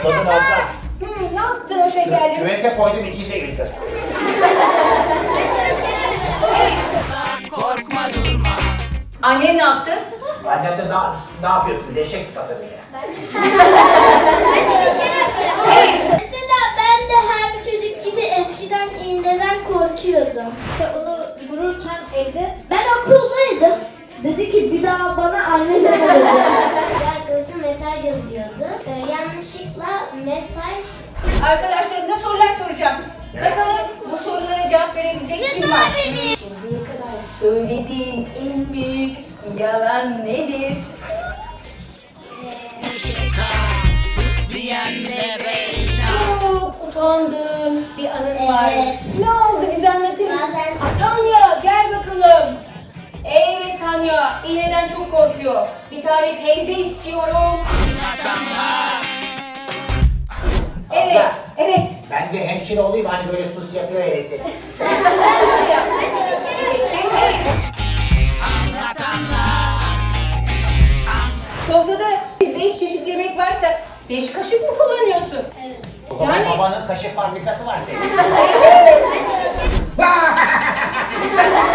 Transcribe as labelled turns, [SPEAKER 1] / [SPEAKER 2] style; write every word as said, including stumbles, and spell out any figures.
[SPEAKER 1] Tozunu atlat.
[SPEAKER 2] Hmm, ne yaptın o şekerleri?
[SPEAKER 1] Küvete koydum içinde yüzdü.
[SPEAKER 2] Annen ne yaptı?
[SPEAKER 1] Annem de ne, ne yapıyorsun? Deşek sıkası dedi.
[SPEAKER 3] Mesela ben de her çocuk gibi eskiden iğneden korkuyordum.
[SPEAKER 4] İşte onu vururken evde
[SPEAKER 3] Ben okuldaydım. Dedi ki bir daha bana anne deme dedi. Bir arkadaşım mesaj yazıyordu. Ee, yanlışlıkla mesaj...
[SPEAKER 2] Arkadaşlarımıza sorular soracağım. Bakalım bu sorulara cevap verebilecek kim var? Şimdiye kadar söylediğin en büyük yalan nedir? Çok utandığın bir anın var.
[SPEAKER 3] Evet.
[SPEAKER 2] Ne oldu bize anlatır mısın?
[SPEAKER 3] Bazen-
[SPEAKER 2] Aa, Tanya gel bakalım. Evet Tanya, iğneden çok korkuyor. Bir tane teyze istiyorum. Evet,
[SPEAKER 1] Abla.
[SPEAKER 2] evet.
[SPEAKER 1] Ben de hemşire olayım hani böyle sus yapıyor hevesi.
[SPEAKER 2] Sofrada beş çeşit yemek varsa beş kaşık mı kullanıyorsun?
[SPEAKER 3] Evet.
[SPEAKER 1] O zaman
[SPEAKER 2] Yani-
[SPEAKER 1] babanın kaşık fabrikası var senin.